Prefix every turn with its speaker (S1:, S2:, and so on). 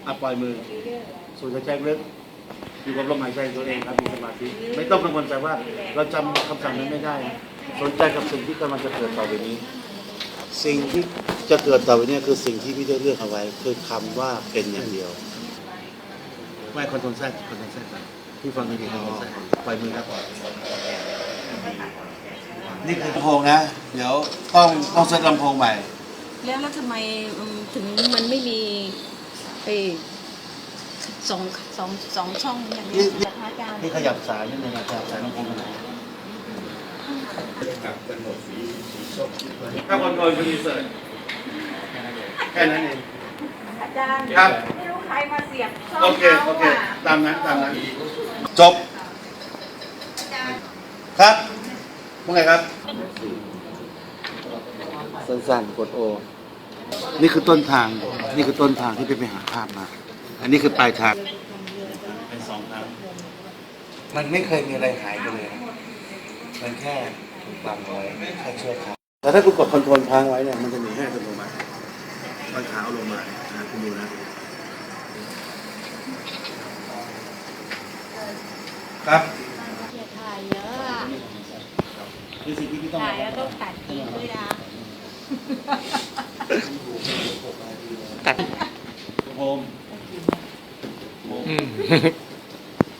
S1: ปล่อยมือสูดหายใจลึกอยู่กับลมหายใจตัวเองครับมีสมาธิไม่ต้องกังวลใจว่าเราจำคำสั่งนั้นไม่ได้สนใจกับสิ่งที่กำลังจะเกิดต่อไปนี้สิ่งที่จะเกิดต่อไปนี้คือสิ่งที่พี่ได้เลือกเอาไว้คือคำว่าเป็นอย่างเดียวไม่คอนโทรลแทรกก่อนพี่ฟังดีๆคอนโทรลแทรกปล่อยมือครับนี่คือลำโพงนะเดี๋ยวต้องเซตลำโพงใหม่
S2: แล้วทำไมถึงมันไม่มีไอ้สองช่องอย่างนี้นะคะอาจารย์
S1: ที่ขยับสายนิดนึงนะครับสายลำโพงไหนถ้าคอนโทรลคือรีเสิร์ชแค่นั้นเอง
S2: อาจารย์
S1: ครับ
S2: ไม่รู้ใครมาเสียบช่อง
S1: โอเค
S2: เขา
S1: ตามนั้นจบครับว่าไงครับสั้นๆกดโอนี่คือต้นทางที่ไปหาภาพมาอันนี้คือปลายทางเป็นสองทางมันไม่เคยมีอะไรหายไปเลยมันแค่ถูกบังไว้แค่เชือกขาดแต่ถ้าคุณกดคอนโทรลค้างไว้เนี่ยมันจะมีให้อัตโนมัติมันขาเอาลงมาคุณดูนะครับ
S2: ถ่ายเยอะอะ
S1: คือสิ่งที่พี่ต้อง
S2: ถ่ายแล้วต้องตัดทิ้งด้วยนะ
S1: โฮม